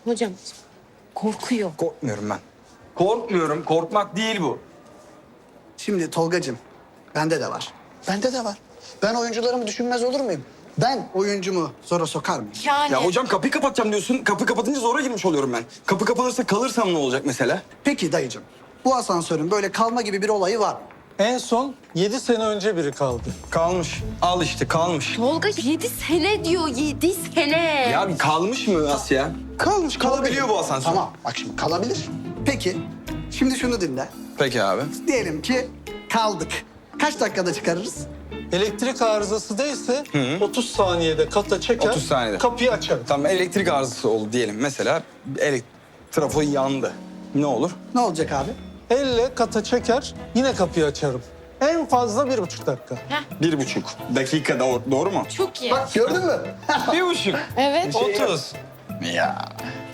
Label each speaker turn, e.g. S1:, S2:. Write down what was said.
S1: Hocam korkuyor.
S2: Korkmuyorum ben. Korkmuyorum. Korkmak değil bu.
S3: Şimdi Tolgacığım, bende de var. Bende de var. Ben oyuncularımı düşünmez olur muyum? Ben oyuncumu zora sokar mıyım?
S1: Yani.
S2: Ya hocam kapıyı kapatacağım diyorsun. Kapı kapatınca zora girmiş oluyorum ben. Kapı kapanırsa kalırsam ne olacak mesela?
S3: Peki dayıcığım, bu asansörün böyle kalma gibi bir olayı var mı?
S4: En son 7 sene önce biri kaldı.
S2: Kalmış. Al işte kalmış.
S1: Tolga 7 sene diyor, 7 sene.
S2: Ya bir kalmış mı Asya? Kalmış. Kalabiliyor bu asansör.
S3: Tamam, bak şimdi kalabilir. Peki, şimdi şunu dinle.
S2: Peki abi.
S3: Diyelim ki kaldık. Kaç dakikada çıkarırız?
S4: Elektrik arızası değilse 30 saniyede kata çeker,
S2: 30 saniyede.
S4: kapıyı açar.
S2: Tamam elektrik arızası oldu diyelim. Mesela trafo yandı. Ne olur?
S3: Ne olacak abi?
S4: Elle kata çeker, yine kapıyı açarım. En fazla 1,5 dakika.
S2: 1,5 dakika doğru mu?
S1: Çok iyi.
S3: Bak gördün mü?
S2: 1,5.
S1: Evet.
S2: 30. Ya.